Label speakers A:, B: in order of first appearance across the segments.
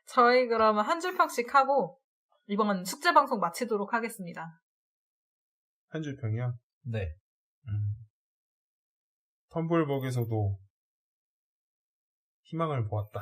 A: 저희 그러면 한 줄 평씩 하고 이번 숙제 방송 마치도록 하겠습니다.
B: 한 줄 평이요?
C: 네.
B: 텀블벅에서도 희망을 보았다.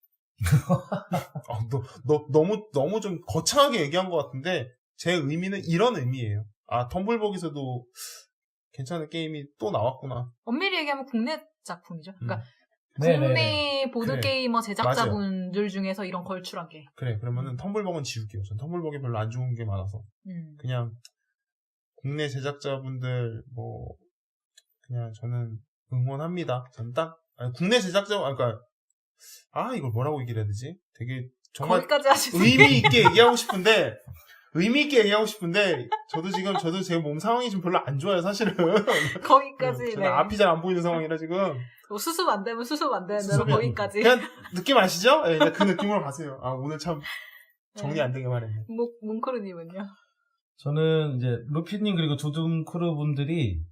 B: 너무 좀 거창하게 얘기한 것 같은데 제 의미는 이런 의미예요. 아, 텀블벅에서도 괜찮은 게임이 또 나왔구나.
A: 엄밀히 얘기하면 국내 작품이죠. 그러니까
C: 네네네.
A: 국내 보드게이머
B: 그래.
A: 제작자분들 중에서 이런 걸출한 게.
B: 그래, 그러면은 텀블벅은 지울게요. 전 텀블벅이 별로 안 좋은 게 많아서. 그냥 국내 제작자분들 그냥 저는 응원합니다. 전 국내 제작자, 그러니까 이걸 뭐라고 얘기를 해야 되지? 되게 정말
A: 거기까지 하시는
B: 의미 있게 얘기하고 싶은데 저도 제 몸 상황이 좀 별로 안 좋아요, 사실은.
A: 거기까지.
B: 저는 앞이 잘 안 보이는 상황이라 지금.
A: 수습 안 되면 수습 안 되는 대로 거기까지.
B: 그냥 느낌 아시죠? 네, 그 느낌으로 가세요. 오늘 참 정리 안 되게 말했네.
A: 몽크르님은요?
C: 저는 이제 루피님 그리고 두둠크루 분들이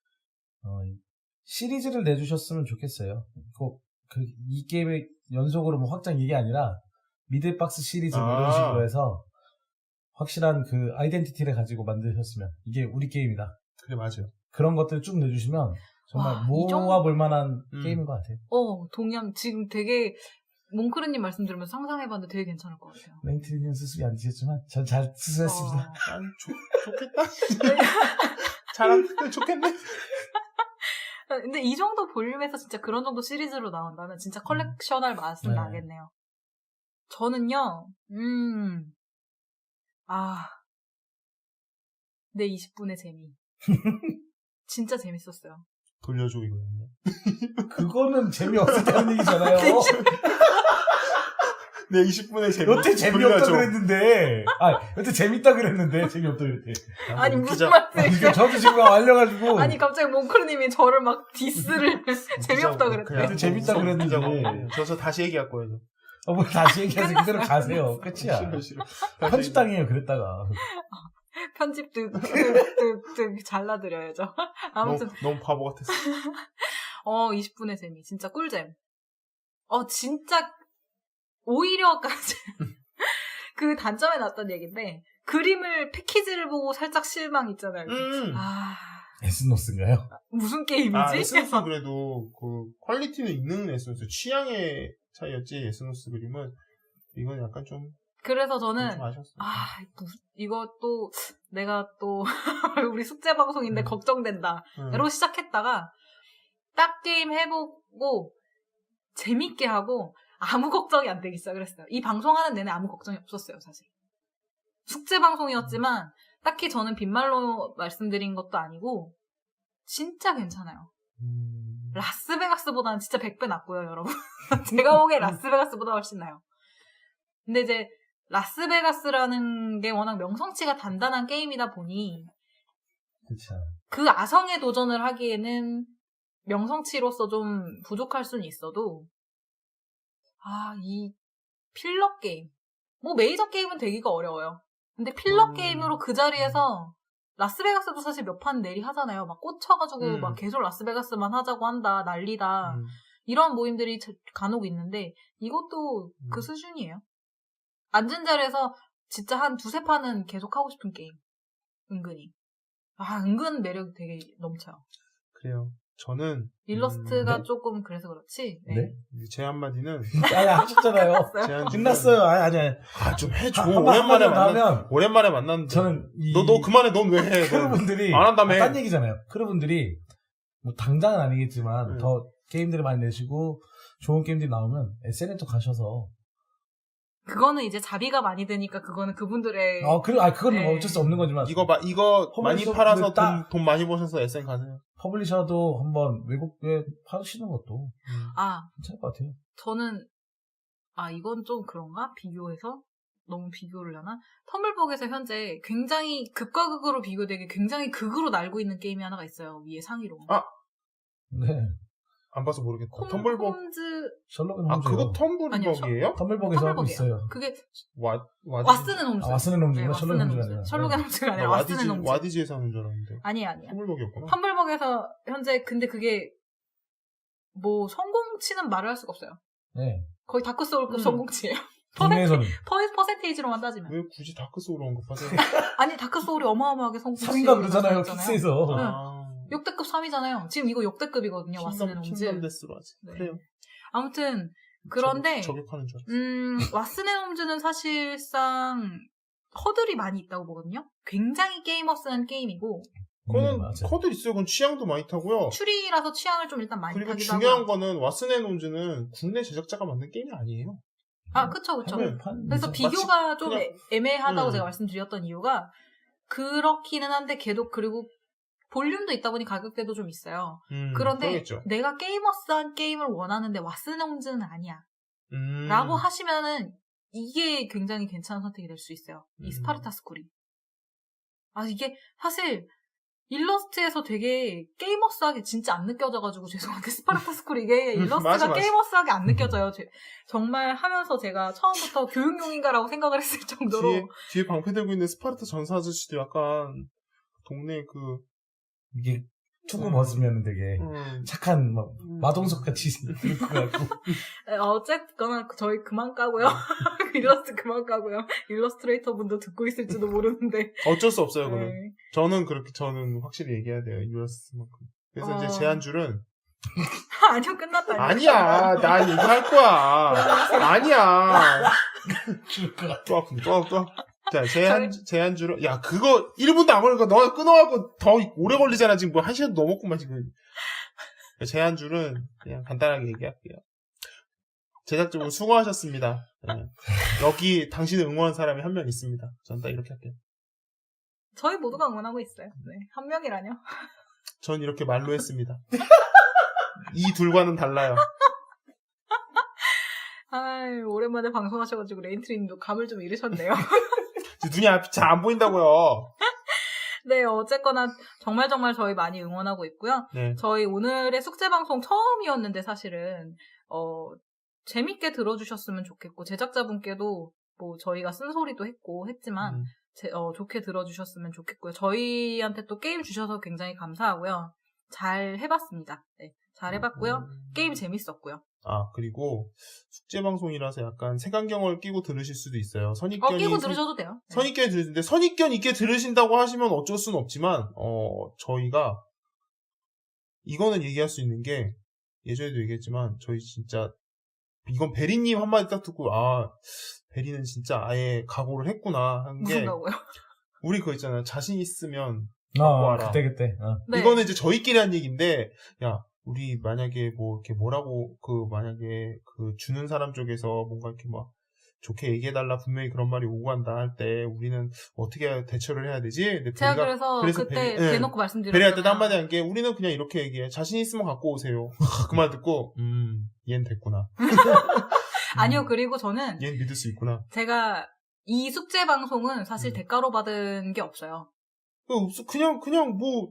C: 시리즈를 내주셨으면 좋겠어요. 이 게임의 연속으로 확장 이게 아니라 미들박스 시리즈 이런 식으로 해서 확실한 그 아이덴티티를 가지고 만드셨으면 이게 우리 게임이다.
B: 그래, 맞아요.
C: 그런 것들을 쭉 내주시면 정말 모아볼 만한 게임인 것 같아요.
A: 동양 지금 되게 몽크르님 말씀 들으면서 상상해봤는데 되게 괜찮을 것 같아요.
C: 랭트리는 수습이 안 되셨지만 전 잘 수습했습니다.
B: 좋겠다. 잘하면 좋겠네.
A: 근데 이 정도 볼륨에서 진짜 그런 정도 시리즈로 나온다면 진짜 컬렉셔널 맛은
C: 네.
A: 나겠네요. 저는요, 내 20분의 재미. 진짜 재밌었어요.
B: 돌려줘, 이거는요.
C: 그거는 재미없었다는 얘기잖아요.
B: 내 20분의 재미.
C: 여태 재미없다 그랬는데. 여태 재밌다 그랬는데 재미없다 그랬대.
A: 아니 무슨 말이에요?
C: 저도 지금 알려가지고.
A: 아니 갑자기 몽크르님이 저를 막 디스를 재미없다 그랬대.
C: 여태 재밌다 그랬는데.
B: 저 다시 얘기할 거예요.
C: 뭐 다시 얘기해서 그대로 가세요. 끝이야.
B: 싫어.
C: 편집당해요 그랬다가.
A: 편집 득 잘라드려야죠. 아무튼
B: 너무 바보 같았어.
A: 20분의 재미 진짜 꿀잼. 진짜 오히려까지 그 단점에 났던 얘기인데 그림을 패키지를 보고 살짝 실망 있잖아요.
C: 에스노스인가요?
A: 무슨 게임이지?
B: 에스노스 그래도 그 퀄리티는 있는 에스노스. 취향의 차이였지. 에스노스 그림은 이건 약간 좀.
A: 그래서 저는
B: 좀 아쉬웠어요.
A: 이것도 내가 또 우리 숙제 방송인데 걱정된다로 시작했다가 딱 게임 해보고 재밌게 하고 아무 걱정이 안 되기 시작했어요. 이 방송하는 내내 아무 걱정이 없었어요, 사실. 숙제 방송이었지만 딱히 저는 빈말로 말씀드린 것도 아니고 진짜 괜찮아요. 라스베가스보다는 진짜 100배 낫고요, 여러분. 제가 보기엔 라스베가스보다 훨씬 나요. 근데 이제 라스베가스라는 게 워낙 명성치가 단단한 게임이다 보니
C: 그쵸.
A: 그 아성에 도전을 하기에는 명성치로서 좀 부족할 수는 있어도 이 필러 게임 메이저 게임은 되기가 어려워요. 근데 필러 게임으로 그 자리에서 라스베가스도 사실 몇 판 내리 하잖아요. 막 꽂혀가지고 막 계속 라스베가스만 하자고 한다, 난리다. 이런 모임들이 간혹 있는데 이것도 그 수준이에요. 앉은 자리에서 진짜 한 두세 판은 계속 하고 싶은 게임. 은근히. 은근 매력이 되게 넘쳐요.
B: 그래요. 저는
A: 일러스트가 조금 그래서 그렇지. 네.
B: 제 한마디는
C: 하셨잖아요. 끝났어요. 아니.
B: 좀 해줘.
C: 오랜만에
B: 만났는데.
C: 저는
B: 너 그만해. 넌 왜 해?
C: 크루분들이
B: 안 한다며.
C: 딴 얘기잖아요. 크루분들이 뭐 당장은 아니겠지만 더 게임들을 많이 내시고 좋은 게임들이 나오면 SNL 가셔서
A: 그거는 이제 자비가 많이 드니까 그거는 그분들의
C: 그건 어쩔 수 없는 거지만
B: 이거 많이 팔아서 돈 많이 버셔서 SN 가세요.
C: 퍼블리셔도 한번 외국에 파시는 것도 괜찮을 것 같아요.
A: 저는 이건 좀 그런가? 비교해서? 너무 비교를 하나? 텀블벅에서 현재 굉장히 극과 극으로 비교되게 굉장히 극으로 날고 있는 게임이 하나가 있어요. 위에 상위로.
C: 네.
B: 안 봐서 모르겠다.
A: 텀블벅.
C: 셜록 홈즈.
B: 그거 텀블벅이에요?
C: 텀블벅에서 하고 있어요.
A: 그게
C: 왓슨은 홈즈. 왓슨은 홈즈가 셜록 홈즈가 아니라.
A: 셜록의 홈즈가 아니라 왓슨은 홈즈.
B: 와디지에서 하는 줄 알았는데.
A: 아니야.
B: 텀블벅이었구나.
A: 텀블벅에서 현재 근데 그게 뭐 성공치는 말을 할 수가 없어요.
C: 네.
A: 거의 다크소울급 성공치예요.
C: 국내에서는
A: 퍼센테이지로만 따지면.
B: 왜 굳이 다크 소울 언급하세요?
A: 아니, 다크소울이 어마어마하게 성공.
C: 3인가 그러잖아요, 픽스에서.
B: 아,
A: 역대급 3위잖아요. 지금 이거 역대급이거든요. 왓슨의 홈즈.
B: 킹덤 데스로 하지.
A: 네.
B: 그래요.
A: 아무튼 그런데
B: 저격하는 줄 알았어.
A: 왓슨의 홈즈는 사실상 허들이 많이 있다고 보거든요. 굉장히 게이머스한 게임이고
B: 그거는
C: 맞아요.
B: 커드 있어요. 그건 취향도 많이 타고요.
A: 추리라서 취향을 좀 일단 많이
B: 그리고
A: 타기도
B: 중요한
A: 하고요.
B: 거는 왓슨의 홈즈는 국내 제작자가 만든 게임이 아니에요.
A: 아, 그쵸.
B: 하면
A: 그래서
C: 마치
A: 비교가 좀
B: 그냥-
A: 애매하다고 제가 말씀드렸던 이유가 그렇기는 한데 걔도 그리고 볼륨도 있다 보니 가격대도 좀 있어요. 그런데
B: 그러겠죠.
A: 내가 게이머스한 게임을 원하는데 왓슨의 홈즈는 아니야.
B: 음.
A: 라고 하시면은 이게 굉장히 괜찮은 선택이 될 수 있어요. 이 스파르타스쿨이. 아, 이게 사실 일러스트에서 되게 게이머스하게 진짜 안 느껴져가지고 죄송한데 스파르타스쿨 이게 일러스트가
B: 맞아.
A: 게이머스하게 안 느껴져요. 정말 하면서 제가 처음부터 교육용인가라고 생각을 했을 정도로
B: 뒤에 방패 들고 있는 스파르타 전사 아저씨도 약간 동네 그
C: 이게 투구 벗으면 되게 착한 막 마동석 같이 생길 것 같고.
A: 어쨌거나 저희 그만 까고요. 일러스트 그만 까고요. 일러스트레이터 분도 듣고 있을지도 모르는데.
B: 어쩔 수 없어요. 그건.
A: 네.
B: 저는 확실히 얘기해야 돼요. US만큼. 그래서 이제 제한줄은
A: 아니요, 끝났다.
B: 아니야. 나 얘기할 거야. 아니야.
C: 줄 것 같아.
B: 또 아픈데 또 아파. 자, 제한줄은 야, 그거 1분도 안 걸리니까 너 끊어갖고 더 오래 걸리잖아. 지금 뭐 1시간 넘었구만 지금. 제한줄은 그냥 간단하게 얘기할게요. 제작자분 수고하셨습니다. 네. 여기 당신을 응원한 사람이 한 명 있습니다. 전 딱 이렇게 할게요.
A: 저희 모두가 응원하고 있어요. 네. 한 명이라뇨.
B: 전 이렇게 말로 했습니다. 이 둘과는 달라요.
A: 아이, 오랜만에 방송하셔가지고 레인트리님도 감을 좀 잃으셨네요.
B: 눈이 앞이 잘 안 보인다고요.
A: 네, 어쨌거나 정말 저희 많이 응원하고 있고요.
B: 네.
A: 저희 오늘의 숙제방송 처음이었는데 사실은 재밌게 들어주셨으면 좋겠고 제작자분께도 뭐 저희가 쓴소리도 했고 했지만 좋게 들어주셨으면 좋겠고요. 저희한테 또 게임 주셔서 굉장히 감사하고요. 잘 해봤습니다. 네, 잘 해봤고요. 게임 재밌었고요.
B: 아, 그리고 숙제방송이라서 약간 색안경을 끼고 들으실 수도 있어요.
A: 끼고 들으셔도 돼요. 네.
B: 선입견이 들으시는데, 선입견 있게 들으신다고 하시면 어쩔 수는 없지만, 저희가, 이거는 얘기할 수 있는 게, 예전에도 얘기했지만, 저희 진짜, 이건 베리님 한마디 딱 듣고, 아, 베리는 진짜 아예 각오를 했구나, 한 게,
A: 무슨 각오요?
B: 우리 그거 있잖아요. 자신 있으면, 갖고 와라.
C: 그때.
A: 네.
B: 이거는 이제 저희끼리 한 얘기인데, 야, 우리 만약에 뭐 이렇게 뭐라고 만약에 주는 사람 쪽에서 뭔가 이렇게 막 좋게 얘기해달라 분명히 그런 말이 오고 간다 할 때 우리는 어떻게 대처를 해야 되지? 근데
A: 제가 그래서 그때 대놓고 말씀드렸잖아요.
B: 베리할 때도 한마디 한 게 우리는 그냥 이렇게 얘기해. 자신 있으면 갖고 오세요. 그 말 듣고 얜 됐구나.
A: 아니요, 그리고 저는
B: 얜 믿을 수 있구나.
A: 제가 이 숙제 방송은 사실 대가로 받은 게 없어요.
B: 그냥 뭐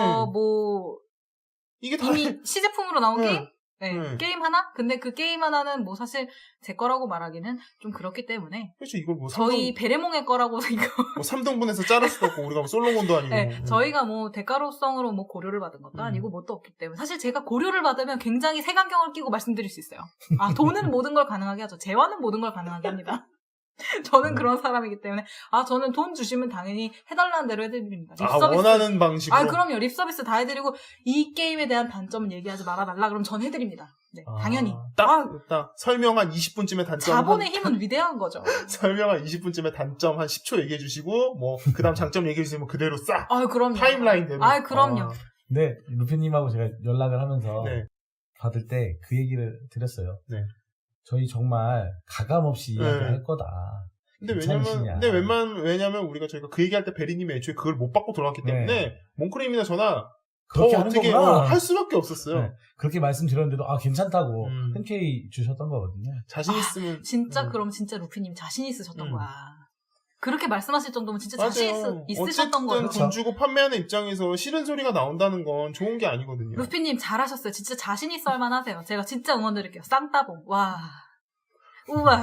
B: 이게 다
A: 이미 시제품으로 나온 게임?
B: 네.
A: 게임 하나? 근데 그 게임 하나는 뭐 사실 제 거라고 말하기는 좀 그렇기 때문에.
B: 그렇죠. 이걸 뭐
A: 저희 베레몽의 거라고 이거.
B: 뭐 3등분해서 자를 수도 없고 우리가 뭐 솔로몬도 아니고.
A: 네, 저희가 뭐 대가로성으로 뭐 고려를 받은 것도 아니고 뭣도 없기 때문에 사실 제가 고려를 받으면 굉장히 색안경을 끼고 말씀드릴 수 있어요. 아, 돈은 모든 걸 가능하게 하죠. 재화는 모든 걸 가능하게 합니다. 저는 그런 사람이기 때문에 저는 돈 주시면 당연히 해달라는 대로 해드립니다. 립서비스.
B: 원하는 방식으로?
A: 그럼요. 립서비스 다 해드리고 이 게임에 대한 단점은 얘기하지 말아달라 그럼 전 해드립니다. 네, 당연히.
B: 딱 설명 한 20분쯤에 단점.
A: 자본의 힘은 위대한 거죠.
B: 설명 한 20분쯤에 단점 한 10초 얘기해 주시고 그 다음 장점 얘기해 주시면 그대로 싹
A: 그럼요.
B: 타임라인대로.
A: 그럼요.
C: 네, 루피님하고 제가 연락을 하면서
B: 네.
C: 받을 때 그 얘기를 드렸어요.
B: 네.
C: 저희 정말 가감 없이 이야기할 거다.
B: 근데 왜냐면 저희가 그 얘기할 때 베리님이 애초에 그걸 못 받고 돌아왔기 때문에 몽크림이나 저나
C: 그렇게
B: 더
C: 하는
B: 어떻게
C: 거구나.
B: 할 수밖에 없었어요.
C: 네, 그렇게 말씀드렸는데도 괜찮다고 흔쾌히 주셨던 거거든요.
B: 자신 있으면
A: 진짜 그럼 진짜 루피님 자신 있으셨던 거야. 그렇게 말씀하실 정도면 진짜
B: 맞아요.
A: 자신 있으셨던 거예요.
B: 어쨌든 돈 주고 판매하는 입장에서 싫은 소리가 나온다는 건 좋은 게 아니거든요.
A: 루피님 잘하셨어요. 진짜 자신 있어 할 만하세요. 제가 진짜 응원드릴게요. 쌍따봉. 와. 우와.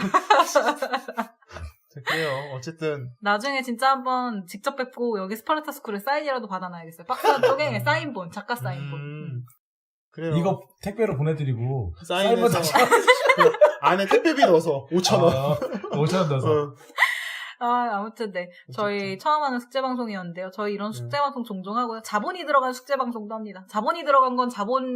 B: 그래요. 어쨌든
A: 나중에 진짜 한번 직접 뵙고 여기 스파르타스쿨에 사인이라도 받아놔야겠어요. 박스 쪽에 사인본, 작가 사인본.
B: 그래요.
C: 이거 택배로 보내드리고
B: 사인해서 안에 택배비 넣어서 5,000원.
C: 5,000원 넣어서.
A: 아무튼 네. 저희 처음 하는 숙제방송이었는데요. 저희 이런 숙제방송 종종 하고요. 자본이 들어간 숙제방송도 합니다. 자본이 들어간 건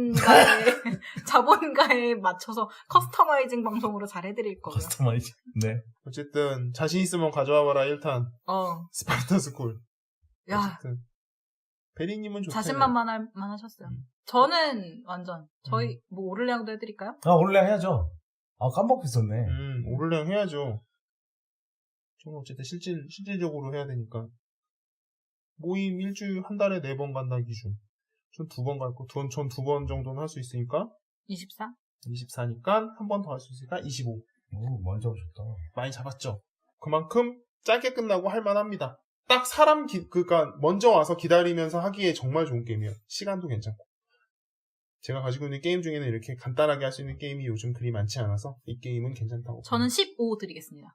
A: 자본가에 맞춰서 커스터마이징 방송으로 잘 해드릴 거고요.
C: 커스터마이징. 네.
B: 어쨌든 자신 있으면 가져와봐라 1탄. 스파르탄 스쿨.
A: 야.
B: 어쨌든 베리님은 좋대요.
A: 자신만만 하셨어요. 저는 완전 저희 뭐 오를량도 해드릴까요?
C: 오를량 해야죠. 깜빡 했었네.
B: 오를량 해야죠. 저는 어쨌든 실질적으로 해야 되니까. 모임 일주일 한 달에 4번 간다 기준. 전 2번 갈 거. 전 2번 정도는 할 수 있으니까.
A: 24?
B: 24니까 한 번 더 할 수 있으니까 25.
C: 오, 많이 잡으셨다.
B: 많이 잡았죠. 그만큼 짧게 끝나고 할만합니다. 딱 그러니까 먼저 와서 기다리면서 하기에 정말 좋은 게임이에요. 시간도 괜찮고. 제가 가지고 있는 게임 중에는 이렇게 간단하게 할 수 있는 게임이 요즘 그리 많지 않아서 이 게임은 괜찮다고.
A: 저는 15 드리겠습니다.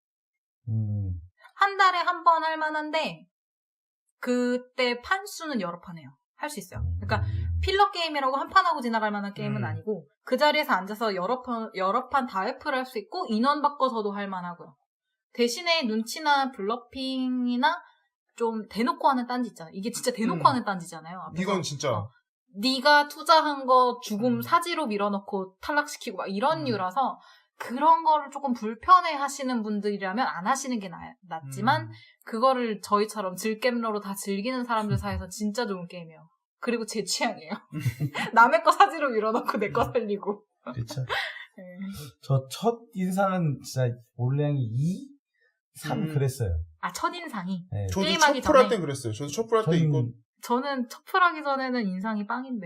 C: 한
A: 달에 한 번 할 만한데 그때 판수는 여러 판 해요. 할 수 있어요. 그러니까 필러 게임이라고 한 판 하고 지나갈 만한 게임은 아니고 그 자리에서 앉아서 여러 판 다 회프를 할 수 있고 인원 바꿔서도 할 만하고요. 대신에 눈치나 블러핑이나 좀 대놓고 하는 딴지 있잖아요. 이게 진짜 대놓고 하는 딴지잖아요. 앞에서.
B: 이건 진짜
A: 네가 투자한 거 죽음 사지로 밀어넣고 탈락시키고 막 이런 류라서 그런 거를 조금 불편해 하시는 분들이라면 안 하시는 게 낫지만 그거를 저희처럼 즐겜러로 다 즐기는 사람들 사이에서 진짜 좋은 게임이에요. 그리고 제 취향이에요. 남의 거 사지로 밀어넣고 내 거 살리고.
C: 그렇죠.
A: 네.
C: 저 첫 인상은 진짜 오를량이 2, 3 그랬어요.
A: 첫인상이.
C: 네.
B: 저도
A: 게임하기
B: 첫 풀 할
A: 전에?
B: 때 그랬어요. 저도 첫 풀 할 때 이거
A: 저는 첫풀하기 전에는 인상이 빵인데.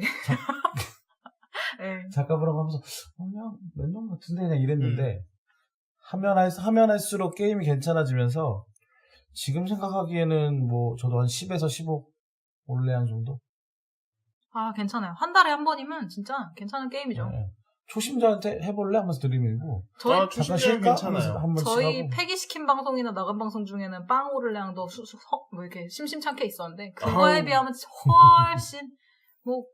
A: 네.
C: 작가분하고 하면서 그냥 몇 년 같은데 그냥 이랬는데 하면 할수록 게임이 괜찮아지면서 지금 생각하기에는 뭐 저도 한 10에서 15 오를량 정도?
A: 괜찮아요. 한 달에 한 번이면 진짜 괜찮은 게임이죠.
C: 네. 초심자한테 해볼래? 하면서 들이밀고
A: 저희
B: 초심자는 괜찮아요.
C: 한 번씩
A: 저희
C: 하고.
A: 폐기시킨 방송이나 나간 방송 중에는 빵 오를량도 뭐 이렇게 심심찮게 있었는데 그거에 비하면 훨씬 뭐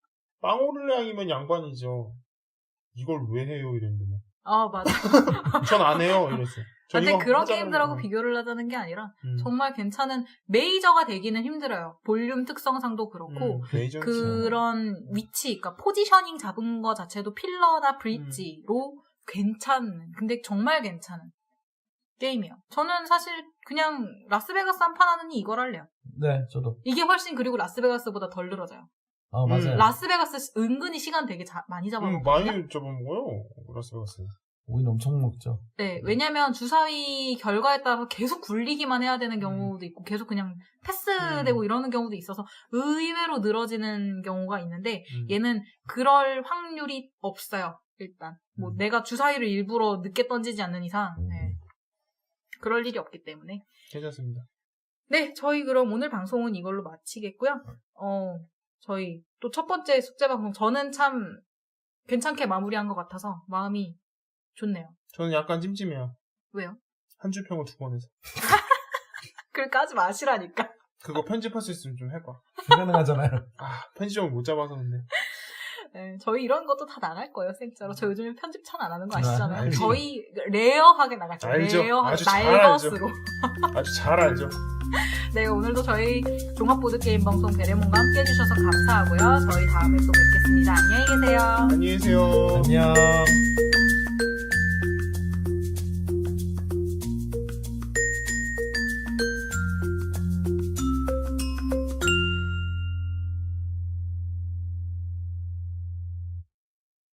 B: 빵오를량이면 양반이죠. 이걸 왜 해요? 이랬는데.
A: 맞아.
B: 전 안 해요. 이랬어요.
A: 근데 그런 게임들하고 비교를 하자는 게 아니라 정말 괜찮은 메이저가 되기는 힘들어요. 볼륨 특성상도 그렇고 그런 위치, 그러니까 포지셔닝 잡은 거 자체도 필러나 브릿지로 괜찮은, 근데 정말 괜찮은 게임이에요. 저는 사실 그냥 라스베가스 한 판 하느니 이걸 할래요.
C: 네, 저도.
A: 이게 훨씬 그리고 라스베가스보다 덜 늘어져요.
C: 맞아요.
A: 라스베가스 은근히 시간 되게 많이 잡아먹거든요.
B: 많이 잡아먹어요. 라스베가스.
C: 오인 엄청 먹죠.
A: 네, 왜냐면 주사위 결과에 따라서 계속 굴리기만 해야 되는 경우도 있고 계속 그냥 패스되고 이러는 경우도 있어서 의외로 늘어지는 경우가 있는데 얘는 그럴 확률이 없어요. 일단 뭐 내가 주사위를 일부러 늦게 던지지 않는 이상 그럴 일이 없기 때문에
B: 괜찮습니다.
A: 네, 저희 그럼 오늘 방송은 이걸로 마치겠고요. 저희 또 첫 번째 숙제 방송 저는 참 괜찮게 마무리한 것 같아서 마음이 좋네요.
B: 저는 약간 찜찜해요.
A: 왜요?
B: 한 줄 평을 2번 해서.
A: 그러니까 하지 마시라니까.
B: 그거 편집할 수 있으면 좀 해봐.
C: 불가능하잖아요.
B: 편집점을 못 잡아서 근데.
A: 네, 저희 이런 것도 다 나갈 거예요, 생짜로. 저 요즘에 편집 참 안 하는 거 아시잖아요.
B: 알지.
A: 저희 레어하게 나갈 거예요.
B: 알죠.
A: 레어하게,
B: 아주 잘
A: 날것으로.
B: 아주 잘 알죠.
A: 네, 오늘도 저희 종합보드게임 방송 베레몬과 함께 해주셔서 감사하고요. 저희 다음에 또 뵙겠습니다. 안녕히 계세요.
B: 안녕히 계세요.
C: 안녕.